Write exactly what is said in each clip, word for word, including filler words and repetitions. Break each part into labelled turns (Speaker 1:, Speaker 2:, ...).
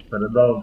Speaker 1: передав.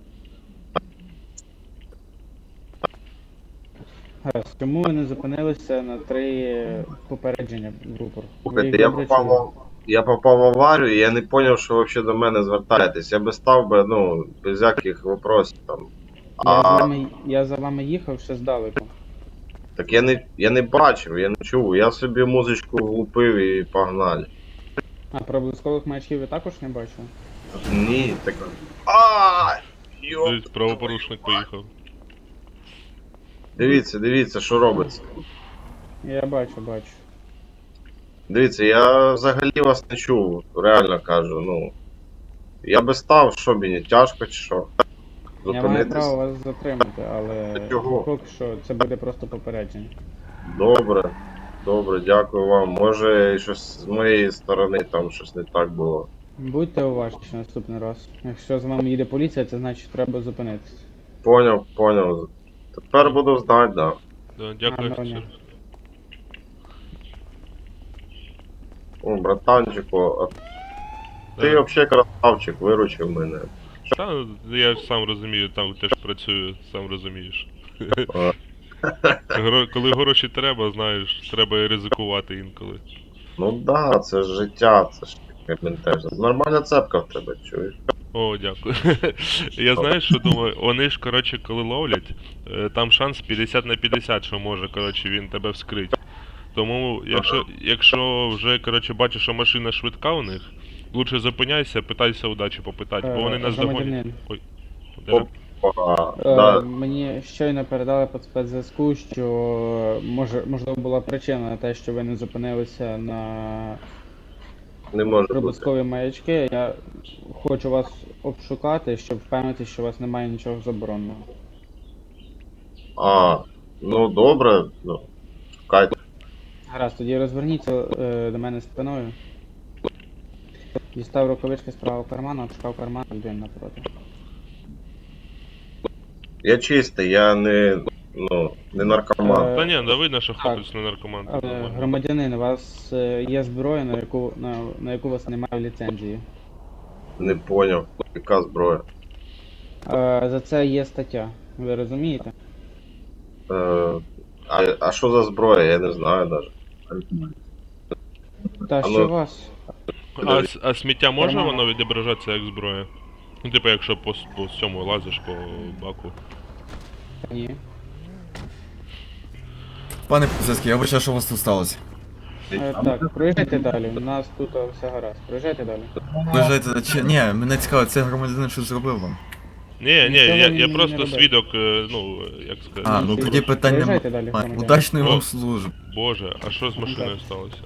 Speaker 2: Гаразд, чому ви не зупинилися на три попередження в рупор? Ви
Speaker 1: Слухайте,
Speaker 2: їх
Speaker 1: я
Speaker 2: добре
Speaker 1: попав,
Speaker 2: чули?
Speaker 1: в- я попав в аварію, і я не зрозумів, що ви взагалі до мене звертаєтесь. Я би став би, ну, без всяких вопросів там.
Speaker 2: Я за
Speaker 1: А
Speaker 2: вами, я за вами їхав ще здалеку.
Speaker 1: так я не, я не бачив, я не чув. Я собі музичку влупив і погнали.
Speaker 2: А проблискових маячків ви також не бачили?
Speaker 1: Ні, так. А! Йоп!
Speaker 3: Дивись, правопорушник поїхав.
Speaker 1: Дивіться, дивіться, що робиться.
Speaker 2: Я бачу, бачу.
Speaker 1: Дивіться, я взагалі вас не чув, реально кажу, ну. Я би став, що мені, тяжко чи що?
Speaker 2: Я маю
Speaker 1: Зупинитись?
Speaker 2: право вас затримати, але
Speaker 1: Чого?
Speaker 2: поки що це буде просто попередження.
Speaker 1: Добре, добре, дякую вам. Може, щось з моєї сторони там щось не так було.
Speaker 2: Будьте уважні наступний раз. Якщо з вами їде поліція, це значить треба зупинитися.
Speaker 1: Поняв, поняв. Тепер буду знати, да.
Speaker 3: Да, дякую,
Speaker 2: Гарного дня.
Speaker 3: офіцер.
Speaker 1: О, братанчику, а ти
Speaker 3: Да.
Speaker 1: взагалі красавчик, виручив мене.
Speaker 3: Та, я ж сам розумію, там теж працюю, сам розумієш.
Speaker 1: А,
Speaker 3: Гро- Коли гроші треба, знаєш, треба і ризикувати інколи.
Speaker 1: ну да, це ж життя, це ж таке теж. Нормальна цепка в тебе, чуєш?
Speaker 3: О, дякую. Я знаєш, що думаю, вони ж, коротше, коли ловлять, е, там шанс п'ятдесят на п'ятдесят, що може, коротше, він тебе вскрить. Тому, якщо, якщо вже, коротше, бачиш, що машина швидка у них, лучше зупиняйся, питайся удачі попитати, бо вони
Speaker 2: Е,
Speaker 3: нас догонять.
Speaker 2: громадянин.
Speaker 3: Ой,
Speaker 1: Опа,
Speaker 2: Е,
Speaker 1: да,
Speaker 2: Мені щойно передали по спецзв'язку, що може, можливо була причина на те, що ви не зупинилися на
Speaker 1: не може бути.
Speaker 2: прибуткові маячки. Я хочу вас обшукати, щоб впевнитися, що у вас немає нічого забороненого.
Speaker 1: А, ну добре, ну, чекайте.
Speaker 2: Гаразд, тоді розверніться е, до мене спиною. Дістав рукавички з правого карману, обшукав карман людини напроти.
Speaker 1: Я чистий, я не, ну, не наркоман.
Speaker 2: Е,
Speaker 3: Та ні, да видно, що
Speaker 2: так.
Speaker 3: хлопець не наркоман.
Speaker 2: Але,
Speaker 3: нормально.
Speaker 2: громадянин, у вас е, є зброя, на яку, на, на яку у вас немає ліцензії.
Speaker 1: Не поняв, яка зброя.
Speaker 2: Е, За це є стаття. Ви розумієте?
Speaker 1: Е, а, а що за зброя, я не знаю навіть.
Speaker 2: Та
Speaker 1: А
Speaker 2: що
Speaker 1: ну-
Speaker 2: у вас?
Speaker 3: А, с- а сміття може
Speaker 2: Нормально.
Speaker 3: воно відображатися як зброя? Ну, типу, якщо по, с- по цьому лазиш по баку.
Speaker 2: Ні.
Speaker 4: Пане поліцейський, я вибачаю, що у вас тут сталося.
Speaker 2: Е, Так, проїжджайте далі. У нас тут е, все гаразд. Проїжджайте далі.
Speaker 4: Вважаєте, чи ні, мене цікаво, це громадянин щось зробив вам.
Speaker 3: Ні, ні,
Speaker 2: Нічого
Speaker 3: я,
Speaker 2: він
Speaker 3: я
Speaker 2: не
Speaker 3: просто
Speaker 2: робив.
Speaker 3: свідок, е, ну, як сказати.
Speaker 4: А, ну тоді питань
Speaker 2: Проїжджайте далі,
Speaker 4: немає.
Speaker 2: громадян.
Speaker 4: Удачної
Speaker 3: О.
Speaker 4: вам служби.
Speaker 3: Боже, а що з машиною сталося?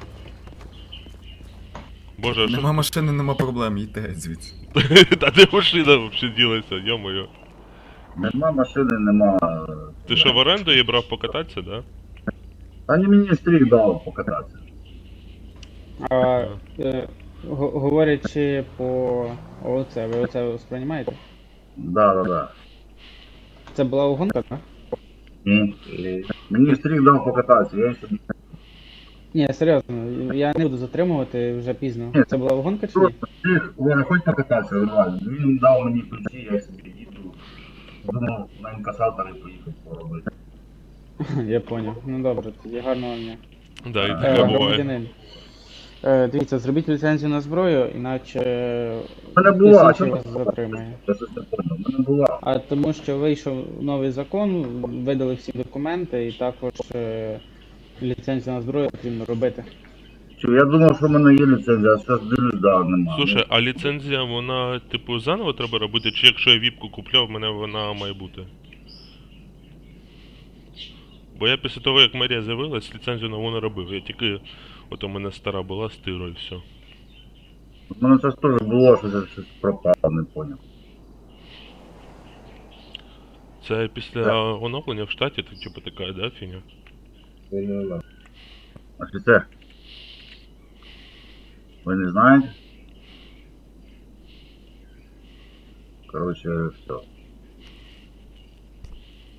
Speaker 3: Боже, а що?
Speaker 4: Нема машини, нема проблем, їдьте геть звідси.
Speaker 3: Та де машина взагалі ділася, йо-моє.
Speaker 5: Нема машини, нема.
Speaker 3: Ти що, в оренду її брав покататися, да?
Speaker 5: Та не мені стріх дав покататися.
Speaker 2: А, е, го- говорячи по ООЦ, ви оце сприймаєте?
Speaker 5: Да, да, да.
Speaker 2: Це була угонка, так?
Speaker 5: Ні.
Speaker 1: Ні.
Speaker 5: Мені стріх дав покататися, я собі
Speaker 2: Ні, серйозно, я не буду затримувати вже пізно. Це була угонка чи ні?
Speaker 5: просто стріх, Оля, хоч покататися, нормально. Він дав мені ключі, я собі їду. Думав на інкасатори поїхати поробити.
Speaker 2: Я поняв. Ну добре, тоді гарного дня.
Speaker 3: Да, і
Speaker 2: Е,
Speaker 3: таке буває.
Speaker 2: Громадянин. Е, Дивіться, зробіть ліцензію на зброю, іначе
Speaker 5: У мене була, а
Speaker 2: слідчий
Speaker 5: чому
Speaker 2: вас затримає.
Speaker 5: я щось не поняв. У мене була.
Speaker 2: А тому що вийшов новий закон, видали всі документи і також е, ліцензію на зброю потрібно робити.
Speaker 5: Чу, я думав, що в мене є ліцензія, а зараз дивлюсь, да, нема.
Speaker 3: Слушай, а ліцензія, вона, типу, заново треба робити, чи якщо я віпку купляв, в мене вона має бути? Бо я після того, як Марія з'явилась, ліцензію нову не робив. Я тільки, от у мене стара була, стиру і все.
Speaker 5: У мене це теж було, що це щось пропало, не поняв.
Speaker 3: Це після оновлення в штаті, так, типу, така, да, фіня?
Speaker 5: Офіцер. Ви не знаєте? Короче, все.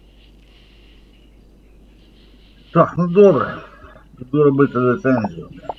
Speaker 5: Так, ну добре. Буду робити ліцензію.